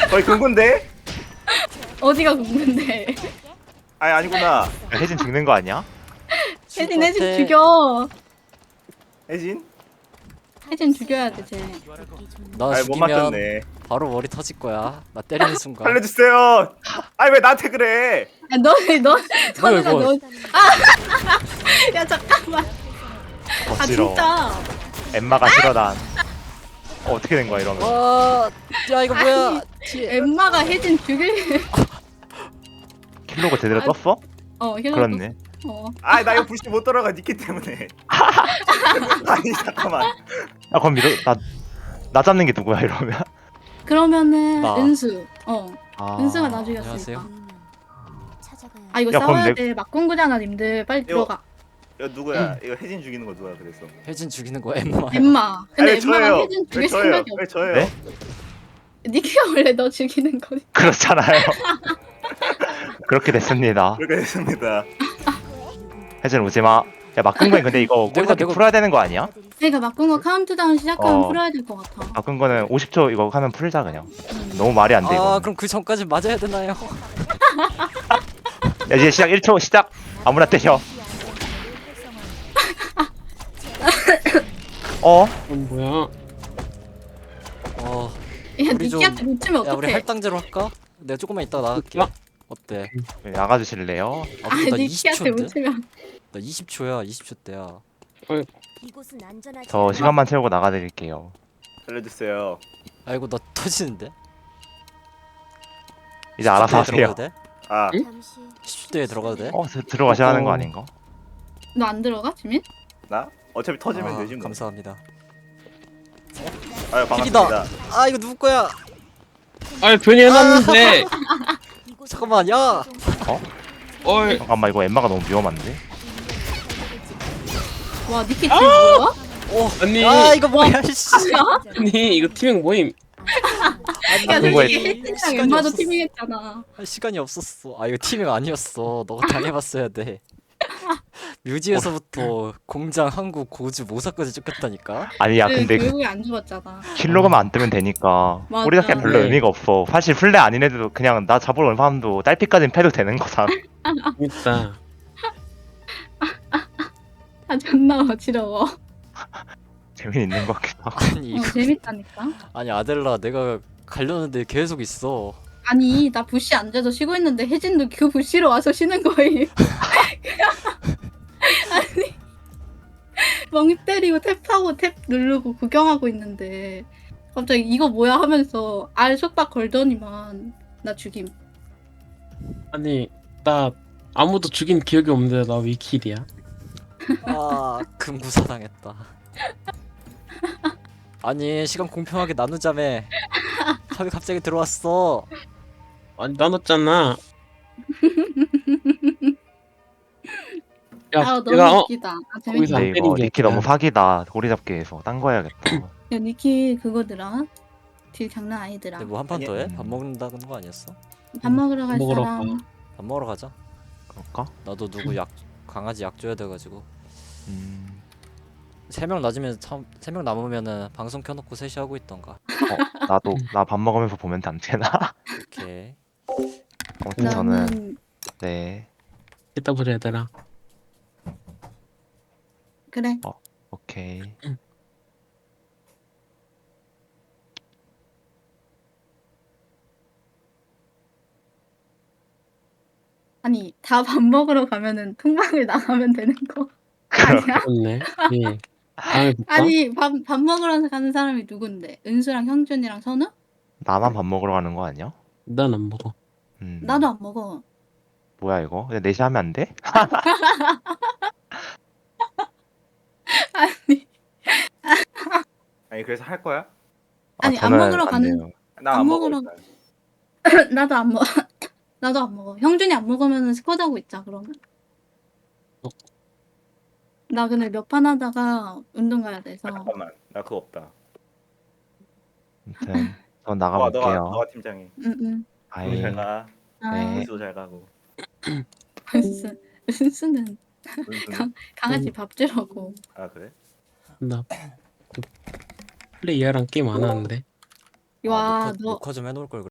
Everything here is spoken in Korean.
거의 금군데? 어디가 궁금한데? 아니 아니구나. 혜진 죽는 거 아니야? 혜진 같아. 죽여. 혜진? 혜진 죽여야 돼 쟤. 나 아니 못 죽이면 맞췄네. 바로 머리 터질 거야. 나 때리는 순간. 살려주세요. 아니 왜 나한테 그래? 야, 너 선우가 이거? 너. 아, 야 잠깐만. 아 거칠어. 진짜. 엠마가 싫어 난. 어떻게 된 거야 이러면? 와, 야 이거 뭐야? 뒤에. 엠마가 혜진 죽일. 킬로그 제대로 떴어? 힐러. 그렇네. 아니 나 이거 부시 못 돌아가 니키 때문에. 아니 잠깐만. 아 그럼 나 잡는 게 누구야 이러면? 그러면은 나. 은수. 아, 은수가 나 죽였으니까. 안녕하세요. 아 이거 야, 그럼 싸워야 돼. 막공구잖아 님들. 빨리 이거- 들어가. 이거 누구야? 이거 혜진 죽이는 거 누가 그랬어? 혜진 죽이는 거 엠마. 엠마. 근데 아니, 엠마가 저예요. 혜진 왜 죽일 저예요? 생각이 왜 없어. 저예요? 네? 니키가 원래 너 죽이는 거니. 그렇잖아요. 그렇게 됐습니다. 그렇게 됐습니다. 혜진 오지 마. 야 막근거는 근데 이거 내가- 꼬리잡기 풀어야 되는 거 아니야? 그러니까 막공구 카운트다운 시작하면 어. 풀어야 될 것 같아. 막근거는 50초 이거 하면 풀자 그냥. 너무 말이 안 돼 이거. 아 그럼 그 전까지 맞아야 되나요? 야 이제 시작 1초 시작. 아무나 때려. 뭐야? 어, 야 우리 좀- 니키한테 놓치면 야 우리 어떡해. 할당제로 할까? 내가 조금만 이따가 나갈게. 야. 어때? 나가주실래요? 아 아 근데 나 니키한테 20초인데? 놓치면. 나 20초야. 20초 때야. 저 시간만 채우고 나가드릴게요. 살려주세요. 아이고 나 터지는데? 이제 알아서 10초 때에 하세요. 들어가도 돼? 아 10초대에 들어가도 돼? 들어가셔야 하는 거 아닌가? 너 안 들어가 지민? 나? 어차피 터지면 아, 되지 뭐. 감사합니다. 아유 픽이다. 반갑습니다. 아 이거 누구 거야? 아 괜히 해놨는데. 잠깐만 야. 어이. 잠깐만 이거 엠마가 너무 위험한데? 와 니키 지금 뭐야? 아니. 아 이거 뭐야 씨. 아니 이거 팀행 모임. 야 그거에- 니키 혜진이랑 시간이 엠마도 없었어. 티밍했잖아. 할 시간이 없었어. 아 이거 팀ing 아니었어. 너가 당해봤어야 돼. 뮤지에서부터 공장, 한국, 고주, 모사까지 쫓겼다니까. 아니 야 근데 결국에 안 죽었잖아. 킬로그만 안 뜨면 되니까 맞아. 꼬리잡기 별로 네. 의미가 없어. 사실 플레 아닌 애들도 그냥 나 잡으러 온 사람도 딸피까지는 패도 되는 거잖아. 재밌다. 아 존나 어지러워. 재미있는 것 같기도 하고. 아니 이거 재밌다니까. 아니 아델라 내가 가려는데 계속 있어. 아니 나 부시 앉아서 쉬고 있는데 혜진도 그 부시로 와서 쉬는 거임. 아니 멍 때리고 탭하고 탭 누르고 구경하고 있는데 갑자기 이거 뭐야 하면서 알 속박 걸더니만 나 죽임. 아니 나 아무도 죽인 기억이 없는데 나 왜 킬이야? 아 금구사 당했다. 아니 시간 공평하게 나누자며. 탑이 갑자기 들어왔어. 아니 나눴잖아. 야 아 너무 내가 웃기다. 아 재밌다. 거기서 안 근데 때린 이거 게 니키 아니라. 너무 사기다. 꼬리잡기에서 딴 거 해야겠다. 야 니키 그거더라. 딜 장난 아니더라. 근데 뭐 한 판 더 해? 아니야. 밥 먹는다는 거 아니었어? 밥 먹으러 갈 먹으러 사람. 가. 밥 먹으러 가자. 그럴까? 나도 누구 약 강아지 약 줘야 돼가지고. 음... 3명 낮으면 참 3명 남으면은 방송 켜놓고 셋이 하고 있던가. 나도 나 밥 먹으면서 보면 안 되나? 오케이. 아무튼 저는 나는 네 이따 보자 얘들아. 그래. 오케이. 아니 다 밥 먹으러 가면은 통방을 나가면 되는 거 아니야? 그렇네. 예. 다음에 볼까? 아니 밥 먹으러 가는 사람이 누군데? 은수랑 형준이랑 선우? 나만 밥 먹으러 가는 거 아니야? 난 안 먹어. 나도 안 먹어. 뭐야 이거? 근데 넷이 하면 안 돼? 아니 아니 그래서 할 거야? 아니, 안 저는 먹으러 안 가는- 돼요. 나 안 안 먹어. 먹으러- 일단. 나도 안 먹어. 나도 안 먹어. 형준이 안 먹으면 스쿼드 하고 있자 그러면. 나 근데 몇 판 하다가 운동 가야 돼서. 아, 잠깐만 나 그거 없다. 아무튼 전 너가 나가볼게요. 너가 팀장이. 응응. 아이 잘 가. 아, 네. 은수도 잘 가고. 은수는 은수는? 강아지 밥 주라고. 아 그래? 나 플레이어랑 게임 안 하는데. 와, 아, 너 녹화 좀 해놓을 걸.